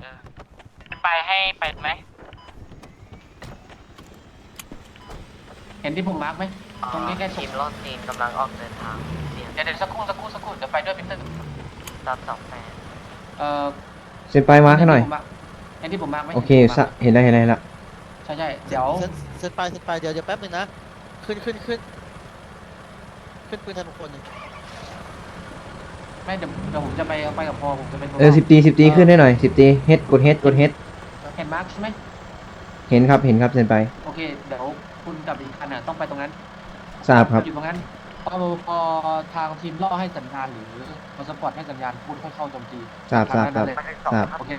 ไปให้ไปไหมเห็นที่ผมมาร์กไหมตรงนี้ใกล้ๆทีมรอดซีนกำลังออกเดินทางเดี๋ยวสักครู่เดี๋ยวไปด้วยพีเตอร์รับ28 เอ่อเซ็นไปมาร์คให้หน่อยเห็นที่ผมมาร์กไหมโอเคเห็นแล้วใช่เดี๋ยวเซ็นไปเดี๋ยวแป๊บนึงนะขึ้นปืนไทยมงคลหนึ่งไม่เดี๋ยวผมจะไปกับพอผมจะเป็น 10 ตีขึ้นได้หน่อย10 ตีเฮดกดเฮดเห็นมาร์กใช่ไหมเห็นครับเซ็นไปโอเคเดี๋ยวคุณกับอีกคันต้องไปตรงนั้นทราบครับอยู่ตรงนั้นพอทางทีมล่อให้สัญญาณหรือพอสปอร์ตให้สัญญาณคุณค่อยเข้าโจมตีทราบโอเค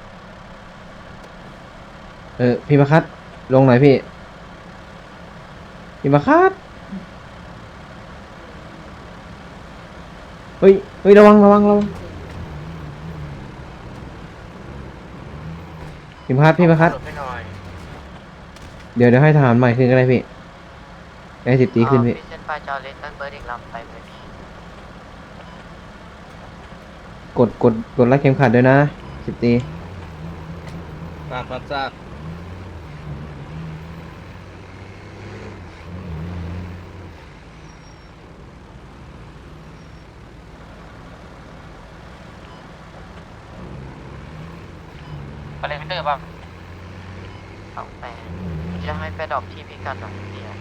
พี่มาคัดลงหน่อยพี่มาคัดเฮ้ยระวังพี่มาคัดเดี๋ยวให้ทหารใหม่ขึ้นก็ได้พี่ได้10 ตีขึ้นพี่เส้นไปจอเลสตันเบิร์ดอีกลำไปไหมพี่กดรัดเข็มขัดด้วยนะ10 ตีทราบไปเลยพีเตอร์ป่ะ 28จะให้ไปดรอปที่พิกัดหน่อยเดียว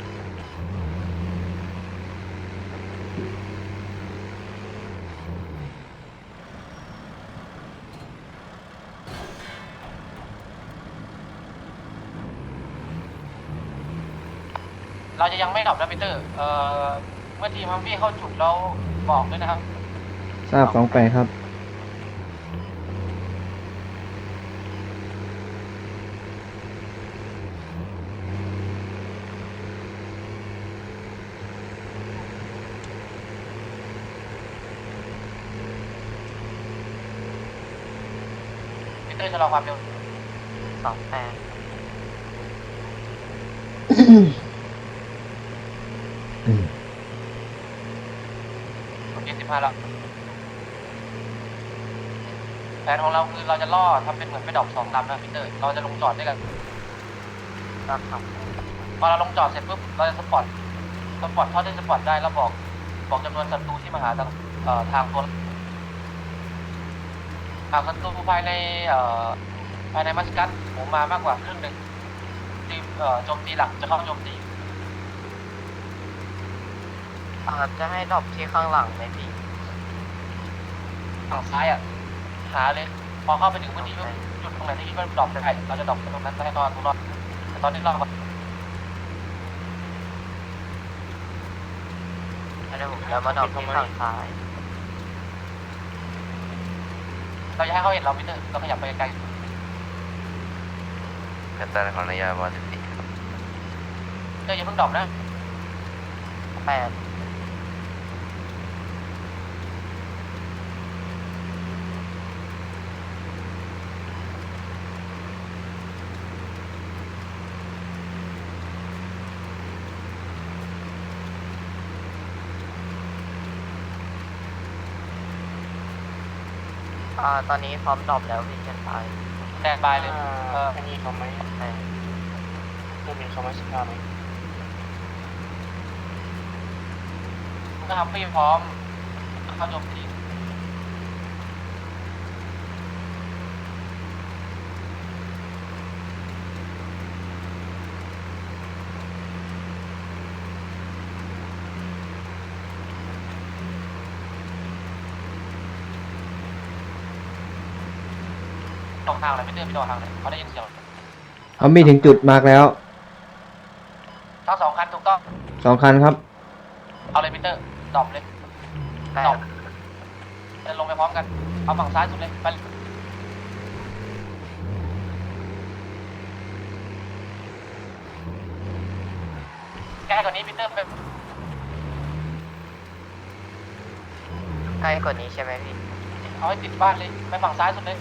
เราจะยังไม่ดับนะพีเตอร์เมื่อทีมฮัมวี่เข้าจุดเราบอกด้วยนะครับทราบ28ครับพีเตอร์ชะลอความเร็ว 28 ผม25แล้วแผนของเราคือเราจะล่อทำเป็นเหมือนไปดอก2 ลำนะพีเตอร์เราจะลงจอดด้วยกันรับพอเราลงจอดเสร็จปุ๊บเราจะสปอร์ตเท่าที่สปอร์ตได้แล้วบอกจำนวนศัตรูที่มาหาทางตัวหากศัตรูภายในมัสกัสผมมามากกว่าครึ่งหนึ่งทีมโจมตีหลักจะเข้าโจมตีจะให้ดรอปที่ข้างหลังไหมพี่ฝั่งซ้ายหาเลยพอเข้าไปถึงพื้นที่จุดตรงไหนที่คิดว่าดรอปได้เราจะดรอปตรงนั้นให้ตอนรอดแต่ตอนนี้เราผมจะมาดรอปที่ฝั่งซ้ายเราจะให้เขาเห็นเราไม่ได้เราขยับไปไกลกัปตันของนายาว14 อย่าเพิ่งดรอปนะ 8ตอนนี้พร้อมดรอปแล้วพี่เชนไปแดนบายเลยอันนี้เขาไหมเครื่องบินเขาไม่สภาพไหมก็ทำไม่พร้อมเข้าโจมตีตกทางอะไรไม่เดินไปต่อทางไหนเขาได้ยินเสียงเอามีถึงจุดมาร์กแล้วทั้ง2 คันถูกต้อง 2 คันครับเอาเลยพีเตอร์ดรอปเลยดรอปจะลงไปพร้อมกันเอาฝั่งซ้ายสุดเลยไปใกล้กว่านี้พีเตอร์ไปใกล้กว่านี้ใช่ไหมพี่เอาให้ติดบ้านเลยไปฝั่งซ้ายสุดเลย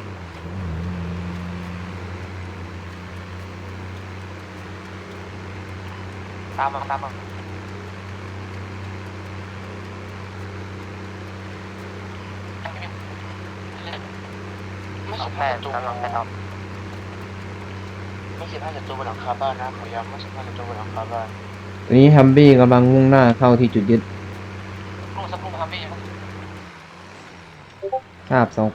ตามมาไม่สอสิงบแปห้าดศัตรูกำลังไปต่อไม่15ศัตรูบนหลังคาบ้านนะขอย้ำไม่15ศัตรูบนหลังคาบ้านตอนนี้ฮัมบี้กำลังมุ่งหน้าเข้าที่จุดยึดสักครู่ทำไม่ยังทราบ28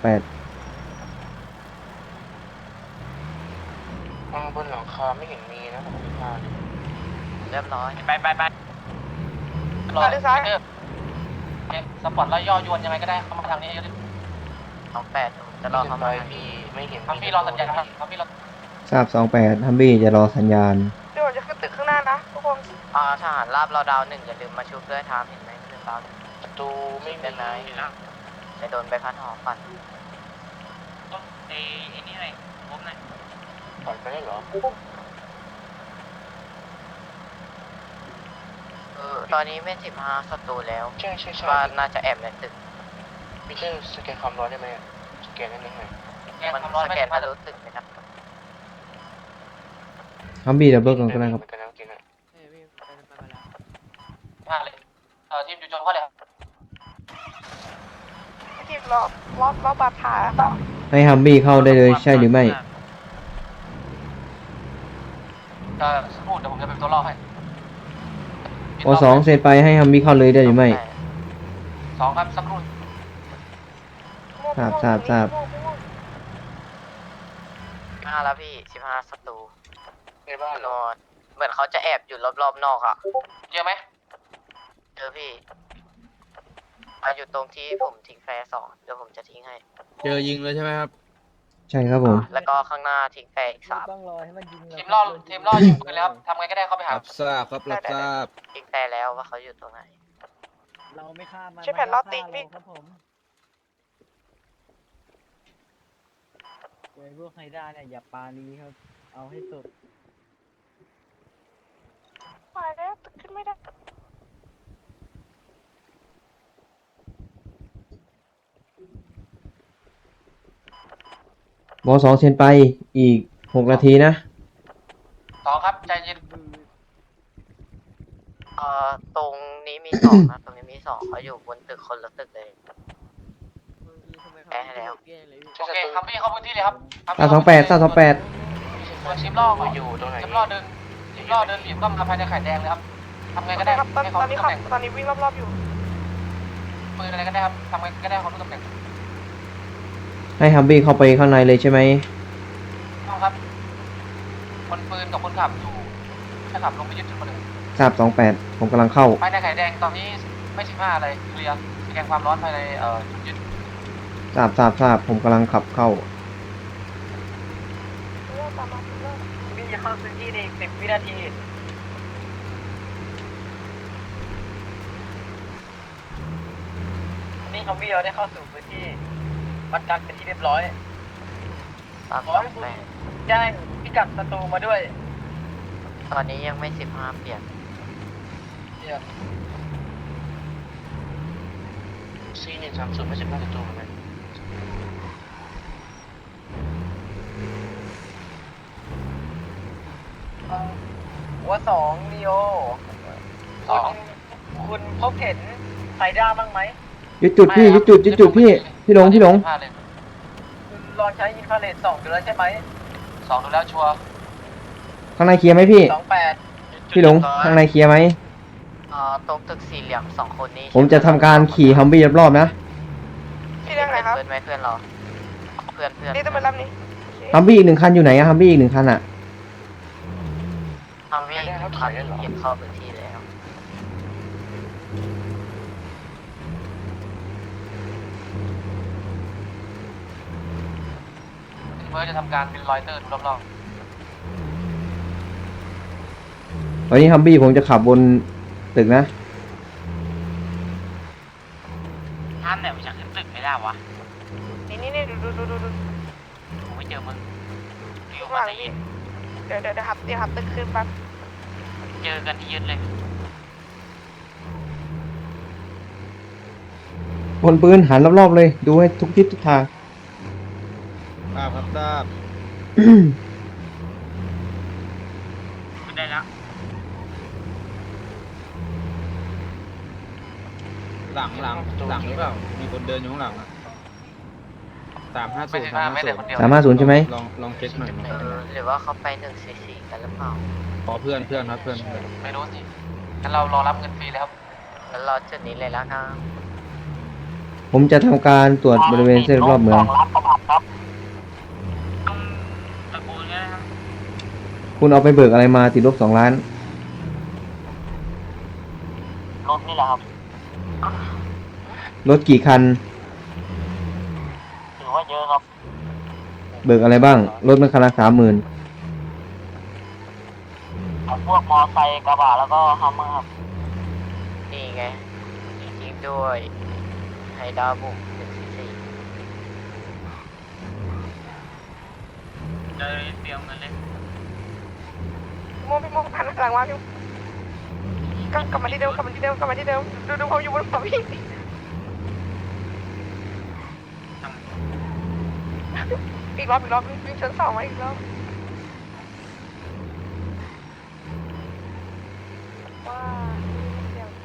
บนหลังคาไม่เห็นมีนะ65เลยเรียบร้อยไปรอสปอร์ตแล้วย่อยวนยังไงก็ได้เข้ามาทางนี้เยอะดิ 28ผมจะรอเข้ามาพี่ไม่เห็นทำพี่รอสัญญาณทำพี่รอทราบ28ฮัมบี้จะรอสัญญาณเดี๋ยวผมจะขึ้นตึกข้างหน้านะทุกคนทหารราบเราดาว1อย่าลืมมาชุบด้วยทามเห็นไหมขึ้นดาวหนึ่งศัตรูไม่มีเป็นไรจะโดนใบพัดหอฟันไอ้นี่ไงผมหน่อยปล่อยไปได้เหรอตอนนี้ไม่15ศัตรูแล้วใช่ว่าน่าจะแอบในตึกมีแค่สแกนความร้อนได้ไหมสแกนได้ไหมมันสแกนทะลุตึกไหมครับฮัมบี้ดับเบิลกันก็ได้ครับมันก็นั่งกินอ่ะมาเลยทีมอยู่จนเขาเลยทีมรอบบาดขาให้ฮัมบี้เข้าได้เลยใช่หรือไม่สักครู่เดี๋ยวผมจะเป็นตัวล่อให้ว2เสร็จไปให้ฮัมบี้เข้าเลยได้หรือไม่ 2ครับสักครู่ทราบ 15แล้วพี่15ศัตรูในบ้านเหรนออนเหมือนเขาจะแอบอยู่รอบๆนอกอ่ะเยอะไหมเจอพี่มาอยู่ตรงที่ผมทิ้งแฟร์2เดี๋ยวผมจะทิ้งให้เจอยิงเลยใช่ไหมครับใช่ครับผมแล้วก็ข้างหน้าทิ้งแฟร์อีก3 ต้องรอให้มันยิงทีมล่อยิงปืนแล้วทำไงก็ได้เข้าไปหารับทราบครับ รับทราบทิ้งแฟร์แล้วว่าเขาอยู่ตรงไหนเราไม่ฆ่ามันใช่แผ่นล้อติ๊กพี่ครับผมเว้ยพวกไฮด้าเนี่ยอย่าปานี้ครับ เอาให้สุดมาแล้วตึกขึ้นไม่ได้ว2เซ็นไปอีก6นาทีนะ 2ครับใจเย็นตรงนี้มี2นะตรงนี้มี2เขาอยู่บนตึกคนละตึกเลยแก้ให้แล้วโอเคทำพี่เข้าพื้นที่เลยครับทราบ28ทราบ28 ทีมล่ออยู่ตรงไหนทีมล่อเดินบีบเข้ามาภายในไข่แดงเลยครับทำไงก็ได้ครับตอนให้เขานี้รู้ขัตำบแหน่งตอนนี้วิ่งรอบๆอยู่ปืนอะไรก็ได้ครับทำไงก็ได้เขารู้ตำแหน่งให้ฮัมบี้เข้าไปข้างในเลยใช่ไหมต้องครับคนปืนกับคนขับอยู่แค่ขับลงไปยึดจุดคนหนึ่งทราบ28ผมกำลังเข้าภายในไข่แดงตอนนี้ไม่15อะไรเคลียร์สแกนความร้อนภายในจุดยึดทราบผมกำลังขับเข้าเริ่มตามมาเริ่มวิ่งจะเข้าพื้นที่ใน10 วินาที นี่เขาวิ่งเราได้เข้าสู่พื้นที่วัดกันเป็นที่เรียบร้อย 328 แจ้งพิกัดศัตรูมาด้วยตอนนี้ยังไม่15เปลี่ยน C130ไม่15ศัตรูเหมือนกันหัว2ลีโอ 2 คุณพบเห็นไฮด้าบ้างไหมยึดจุดพี่พี่หลงคุณลองใช้อินฟราเรด2ดูแล้วใช่ไหม 2ดูแล้วชัวร์ข้างในเคลียร์ไหมพี่ 28 พี่หลงข้างในเคลียร์ไหมตรงตึกสี่เหลี่ยม2คนนี้ผมจะทำการขี่ฮัมบี้รอบๆนะพี่เรื่องอะไรครับเพื่อนไหมเพื่อนเราเพื่อนนี่ต้องไปรับนี้ฮัมบี้อีก1คันอยู่ไหนอะฮัมบี้อีก1คันอะทำให้คันเห็นเข้าพื้นที่แล้วเมื่อจะทำการบินลอยเตอร์ดูรอบตอนนี้ฮัมบี้ผมจะขับบนตึกนะๆท่านเนี่ยมันจะขึ้นตึกไม่ได้วะนี่ดูผมไม่เจอมึงอยู่ข้างหมาลังในพี่เดี๋ยวหับตึกขึ้นแป๊บเจอกันที่ยึดเลยบนปืนหันรอบๆเลย ดูให้ทุกทิศทุกทางทราบครับทราบขึ้นได้แล้วหลังหรือเปล่า มีคนเดินอยู่ข้างหลังอะไม่ถึง5 เมตรเลยคนเดียว 350ใช่ไหมลองเช็คหน่อยหรือว่าเขาไป144กันหรือเปล่าขอเพื่อนครับเพื่อนไม่รู้สิงั้นเรารอรับเงินฟรีเลยครับงั้นรอจุดนี้เลยแล้วกันผมจะทำการตรวจบริเวณเส้นรอบเมืองตะโกนเงี้ยนะครับคุณเอาไปเบิกอะไรมาติดลบ2 ล้านรถนี่แหละครับรถกี่คันถือว่าเยอะครับเบิกอะไรบ้าง รถมันคันละ30,000 พวกมอไซค์กระบะแล้วก็ฮัมเมอร์ครับนี่ไงจริงๆด้วยไฮดาบุก144 เดินเตรียมเงินเลยพี่โมหันหลังมาพี่กลับมาที่เดิมดูผมอยู่บนหัวพี่อีกรอบวิ่งชั้น2มาอีกรอบว้าเดี๋ยว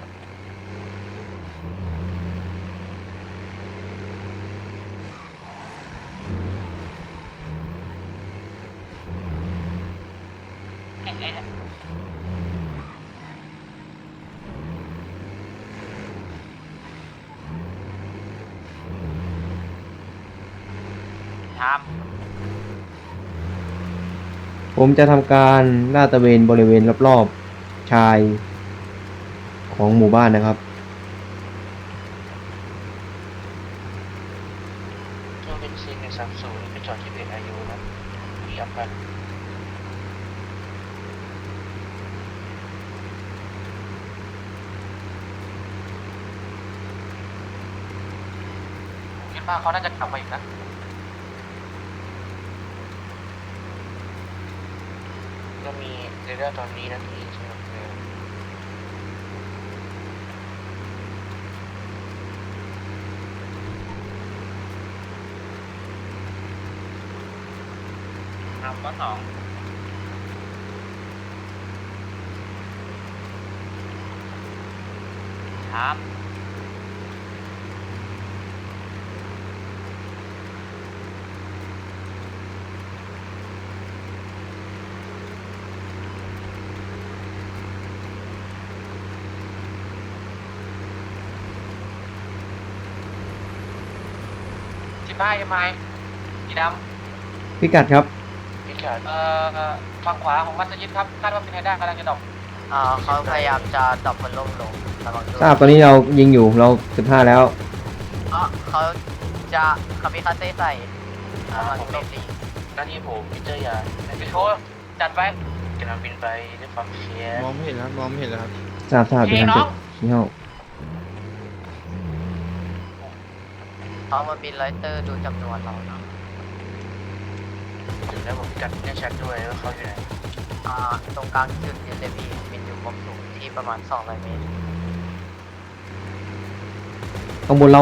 ทามผมจะทำการลาดตระเวนบริเวณรอบๆชายของหมู่บ้านนะครับเครื่องบินซี130ไปจอดที่เบรกอายุนะเหยียบกันคิดว่าเขาน่าจะกลับมาอีกนะก็มีเรดาร์ตอนนี้นะที่ใช่ไหมครับข้อ2 ทาม 15 MI สีดพิกัดครับพิกัดำฝั่งขวาของมัสยิดครับคาดว่าเป็นไฮด้ากำลังจะดรอปเขาพยายามจะดรอปพัดลมลงระวังด้วยทราบตอนนี้เรายิงอยู่เรา15แล้วเขาจะคามิคาเซ่ใส่ระวังโจมตีหน้าที่ผมพิเจอร์ยาไปโชว์จัดไว้กำลังบินไปด้วยความเครียดมองไม่เห็นแล้วครับทราบเดี๋ยวทำเสร็จชี้ห้องเขามาบินไลเตอร์ดูจำนวนเราเนาะถึงแล้วผมพิกัดแน่ชัดด้วยว่าเขาอยู่ไหนตรงกลางจุดยืนเลยพี่บินอยู่ความสูงที่ประมาณ200 เมตรข้างบนเรา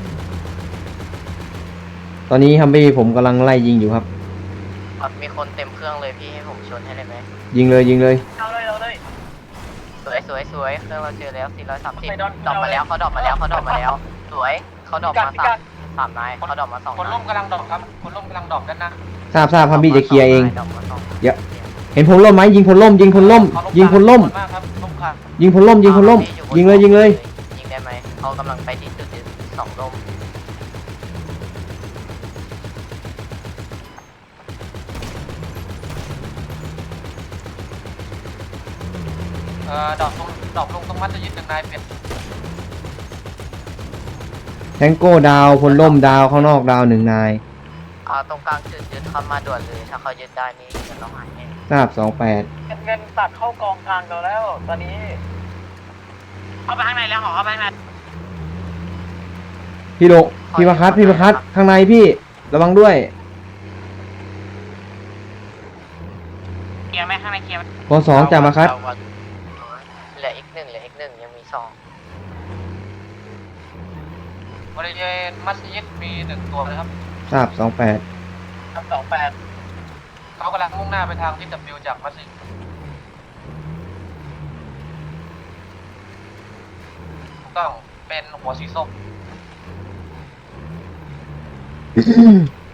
ตอนนี้ฮัมบี้ผมกำลังไล่ยิงอยู่ครับมีคนเต็มเครื่องเลยพี่ให้ผมชนให้ได้ไหมยิงเลยเอาเลยสวยเครื่องเราเจอแล้ว430 ไม่ดอนดรอปมาแล้วเขาดรอปมาแล้วสวยเขาดรอปมาสามนายเขาดรอปมา2 คนนาร่ยมกำลังดรอปครับคนร่มกำลังดรอปด้านหน้าทราบฮัมบี้จะเคลียร์เองดรอปมาสองเดี๋ยว เห็นพลล่มไหมยิงพลล่ม ยิงพลล่ม ยิงพลล่มมากครับล่มค่ะยิงพลล่ม ยิงเลยยิงได้ไหมเขากำลังไปที่จุดยืน2 ลมดรอปลงตรงมัสยิด1 นายเป็นแทงโก้ดาวพลล่มดาวข้างนอกดาว1 นายตรงกลางจุดยืนเข้ามาด่วนเลยถ้าเขายึดได้นี่จะต้องหายแน่ทราบเงินตัดเข้ากองกลางเราแล้ว ตอนนี้เข้าไปข้างในแล้วเข้าไปข้างใน 28พี่ประคัตข้างในพี่ระวังด้วยเคลียร์ไหมข้างในเคลียร์ไหมก2จ่ามาคัตเหลืออีกหนึ่งยังมี2 บริเวณมัสยิดมี1 ตัวนะครับทราบ28 ครับ28 เขากำลังมุ่งหน้าไปทางที่ W จากมัสยิดถูกต้องเป็นหัวสีส้ม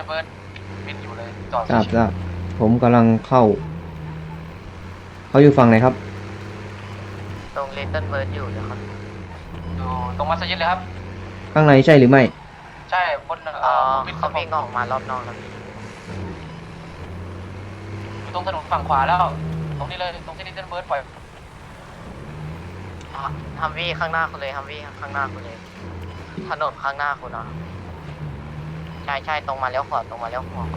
เบิร์ดบินอยู่เลยจอดทราบทราบผมกำลังเข้า เขาอยู่ฝั่งไหนครับตรงเลตเติ้ลเบิร์ดอยู่เดี๋ยวครับอยู่ตรงมัสยิดเลยครับข้างในใช่หรือไม่ใช่บนบินเขาวิ่งออกมารอบนอกแล้วพี่อยู่ตรงถนนฝั่งขวาแล้ว ตรงนี้เลยตรงที่ลิตเติ้ลเบิร์ดปล่อยฮัมวี่ข้างหน้าคุณเลยฮัมวี่ข้างหน้าคุณเลย ถนนข้างหน้าคุณนะใช่ตรงมาเลี้ยวขวาตรงมาเลี้ยวขวา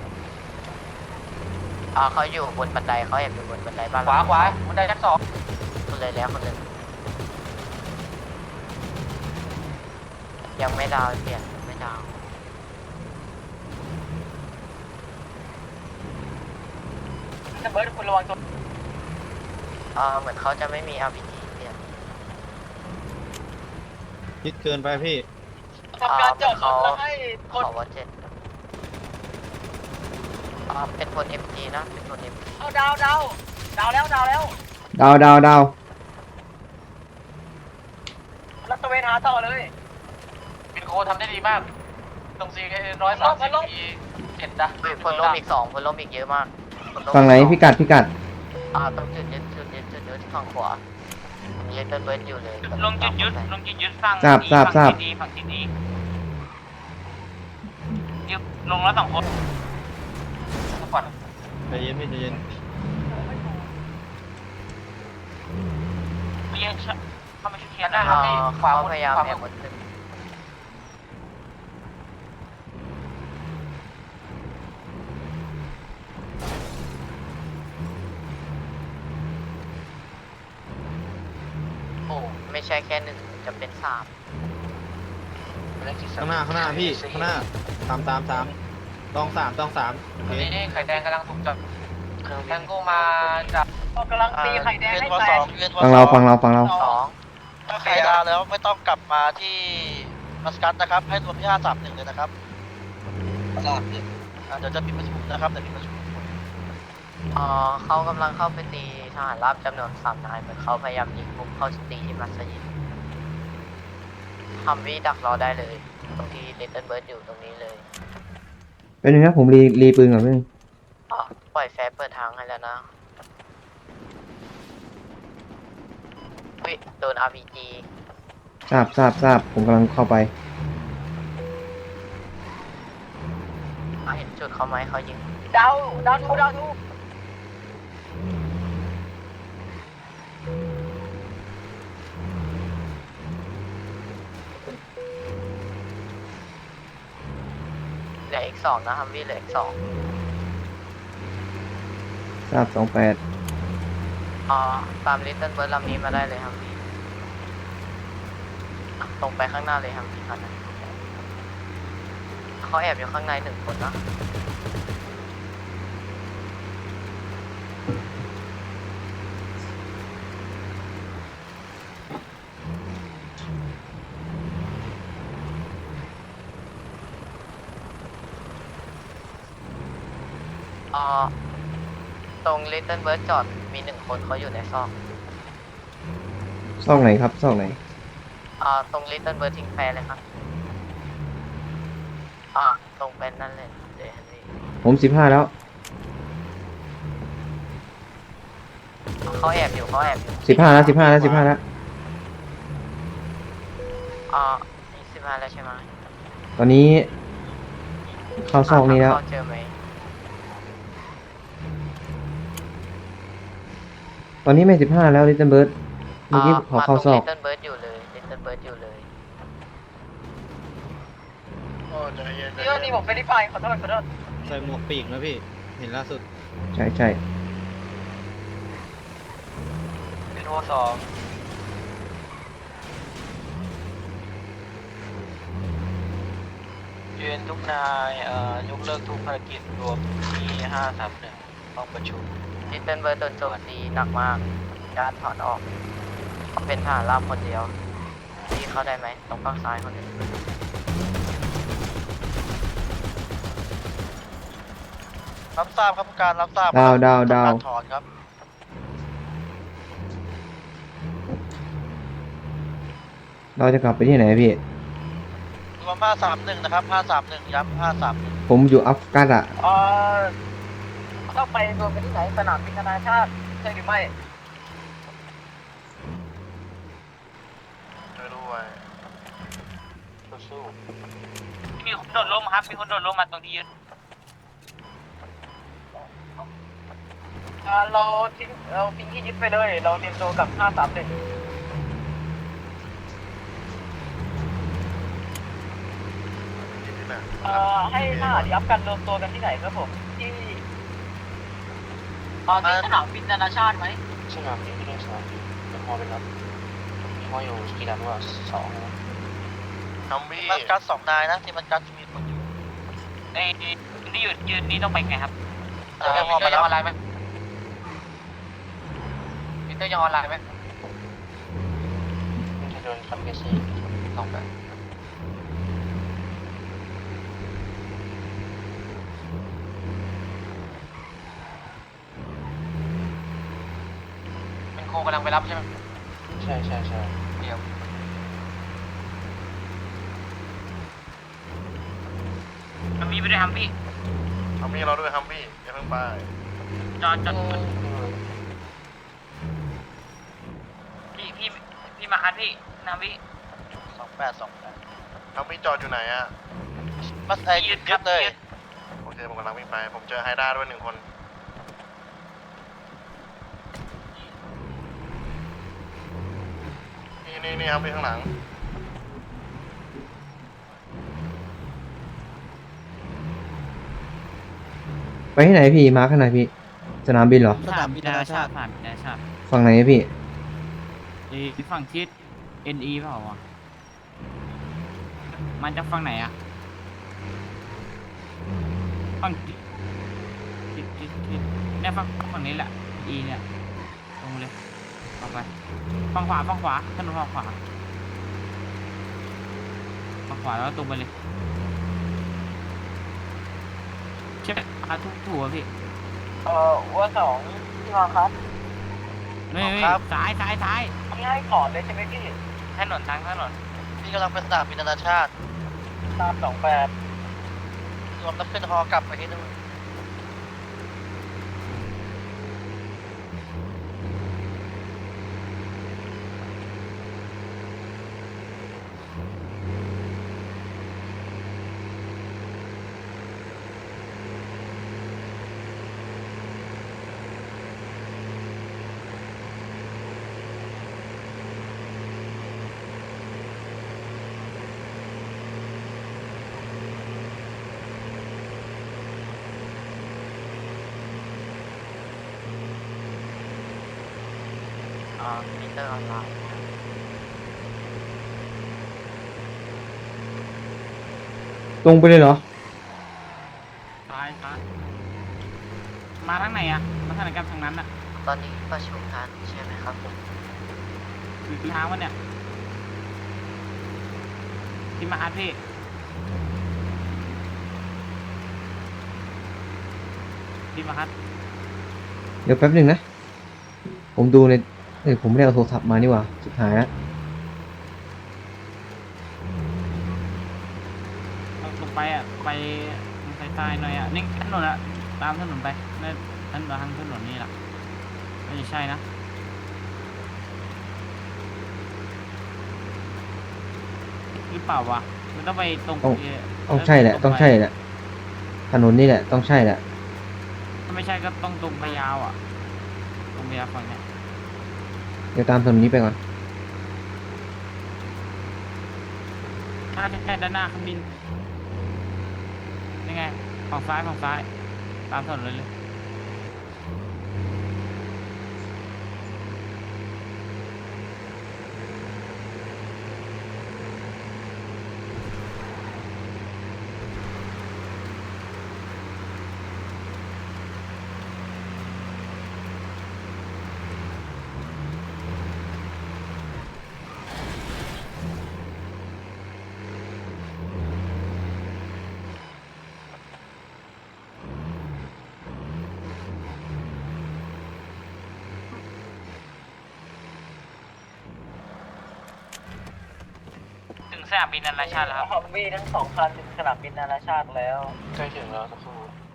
เขาอยู่บนบันไดเขาแอบอยู่บนบันไดบ้านขวาบันไดชั้น 2 คุณเลยแล้วคุณเลยยังไม่ดาวเปลี่ยนไม่ดาวเบิร์ดคุณระวังตัวเหมือนเขาจะไม่มี RPG เปลี่ยนคิดเกินไปพี่ทำการจอดรถแล้วให้คนขอว่า7เป็นคน MG นะเป็นคน MG เอาดาวแล้วดาวรัตเวนหาต่อเลยบินโคทำได้ดีมาก ตรง430 ปี7นะพลล่มอีก2พลล่มอีกเยอะมากพลล่มฝั่งไหนอีกพิกัดต้องจุดยึดที่ฝั่งขวาเลตเติ้ลเบิร์ดอยู่เลยลงจุดยึดฝั่งทราบฝั่งทิศนี้ยึดลงแล้ว2 คนสปอร์ตใจเย็นพี่ใจเย็นไม่ยังเข้ามาช่วยเคลียด้านร์หน้านะคครัรับบ พี่ขวาเขาบนพยายามขวาแอบบนบนตึก โอ้ไม่ใช่แค่1จะเป็น3 ข้างหน้าพี่ข้างหน้าตามต้องสามตอนนี้ไข่แดงกำลังถูกจับแทงโก้มาจากกำลังตีไข่แดงให้แตกฝั่งเรา 2 ถ้าใครดาวแล้วไม่ต้องกลับมาที่มัสกัตนะครับ ให้รวมที่531เลยนะครับเดี๋ยวจะปิดประชุมนะครับเดี๋ยวปิดประชุมเขากำลังเข้าไปตีทหารราบจำนวน3 นายเหมือนเขาพยายามยิงบุกเข้าตีที่มัสยิดฮัมวี่ดักรอได้เลย ตรงที่เลตเติ้ลเบิร์ดอยู่ตรงนี้เลยเป็นยังไงผมรีปืนก่อนพี่ปล่อยแฟร์เปิดทางให้แล้วนะโดน RPG ทราบผมกำลังเข้าไปเห็นจุดเขาไหมเขายิงดาวทูเหลืออีก2นะฮัมวี่เหลืออีก2 ทราบตามลิตเติ้ลเบิร์ดลำนี้มาได้เลยฮัมวี่ตรงไปข้างหน้าเลยฮัมวี่คันนั้นเขาแอบอยู่ข้างใน1 คนนะตรงลิตเติ้ลเบิร์ดจอดมี 1 คนเขาอยู่ในซอก 8ซอกไหนครับซอกไหนตรงลิตเติ้ลเบิร์ดทิ้งแฟร์เลยครับตรงเป็นนั่นเลยเดี๋ยวฮันวี่ผม15แล้วเขาแอบอยู่ 15 15 แล้วนี่15แล้วใช่ไหมตอนนี้เข้าซอกนี้แล้วเขาเจอไหมตอนนี้ไม่15แล้วลิตเติ้ลเบิร์ดเมื่อกี้ขอเข้าซอกลิตเติ้ลเบิร์ดอยู่เลยลิตเติ้ลเบิร์ดอยู่เลยโอ้ใจเย็นเดี๋ยวนี่ผมไม่ได้ไปขอโทษใส่หมวกปีกนะพี่ เห็นล่าสุดใช่บินโค2ยืนทุกนายยกเลิกทุกภารกิจรวมที่531ห้องประชุมลิตเติ้ลเบิร์ดโดนโจมตีหนักมากญาติถอนออกเขาเป็นทหารราบคนเดียวที่เข้าได้ไหมตรงฝั่งซ้ายคนหนึ่งรับทราบครับผู้การรับทราบดาวการถอนครับเราจะกลับไปที่ไหนพี่รวม531นะครับ531ย้ำ531 ผมอยู่อัฟกันอ่ะต้องไปรวมกันที่ไหนสนามบินนานาชาติใช่หรือไม่ช่วยด้วยสู้มีคนโดดร่มครับมีคนโดดร่มมาตรงที่ยืนเราทิ้งที่ยึดไปเลย เราเตรียมตัวกับ531ให้ทหารยับกันรวมตัวกันที่ไหนครับผมที่ที่สนามบินนานาชาติไหมๆสนามบินไม่ได้สนามบินเป็นฮอลเป็นรับมีฮออยู่กี่ดันวะ2นะฮัมวี่มัสกัส2 นายนะที่มัสกัสมีคนอยู่นี่ยืนนี่ต้องไปไงครับเออมีเตอร์ยังออนไลน์ไหมมีเตอร์ยังออนไลน์ไหมมันจะโดนคำเกษีลองไปเป็นโคกำลังไปรับใช่ไหมใช่ใช่ใช่เดี๋ยวมันมีไปด้วยครับพี่ฮัมวี่เราด้วยฮัมวี่อย่าเพิ่งไปจอดพี่มาคัดพี่นาวิ 2828 ฮัมวี่จอดอยู่ไหนอ่ะมัสยึดเลยโอเคผมกำลังวิ่งไปผมเจอไฮด้าด้วย1 คนนี่ฮัมวี่ข้างหลังไปที่ไหนพี่ มาข้างไหนพี่ สนามบินเหรอสนามบินนานาชาติสนามบินนานาชาติฝั่งไหนพี่ฝั่งทิศ NE เปล่าวะมันจะฝั่งไหนอะฝั่งทิศเนี่ยฝั่งนี้แหละ E เนี่ยตรงเลยต่อไปฝั่งขวาถนนฝั่งขวาแล้วตรงไปเลยใช่ไหมถูกพี่วัว2ที่มาคัดนี่ซ้ายที่ให้ขอเลยใช่ไหมพี่ถนนทางถนนพี่กำลังไปสนามบินนานาชาติตาม28 รวมแล้วขึ้นฮอกลับไปที่นู่นมิเตอร์ออนไลน์ตรงไปเลยเหรอซ้ายมาทางไหนอะมาทางไหนกันทางนั้นอะตอนนี้ประชุมกันใช่ไหมครับผมคือทางวะเนี่ยที่มาอาร์ตพี่ที่มาอาร์ตเดี๋ยวแป๊บหนึ่งนะ ผมดูในผมไม่ได้เอาโทรศัพท์มานี่หว่าสุดท้ายแล้วลงไปอ่ะไปซ้ายๆหน่อยอ่ะนี่ถนนอ่ะตามถนนไปนั่นทางถนนนี่แหละไม่ใช่นะหรือเปล่าวะมันต้องไปตรงต้องใช่แหละ ต้องใช่แหละ ถนนนี่แหละ ต้องใช่แหละถ้าไม่ใช่ก็ต้องตรงไปยาวอ่ะตรงไปยาวฝั่งเนี้ยเดี๋ยวตามถนนนี้ไปก่อนถ้าใช่ด้านหน้าเครื่องบินยังไงฝั่งซ้ายตามถนนเลยสนามบินนานาชาติแล้วครับฮอมวี่ทั้ง2 คันถึงสนามบินนานาชาติแล้วใกล้ถึงแล้วสักครู่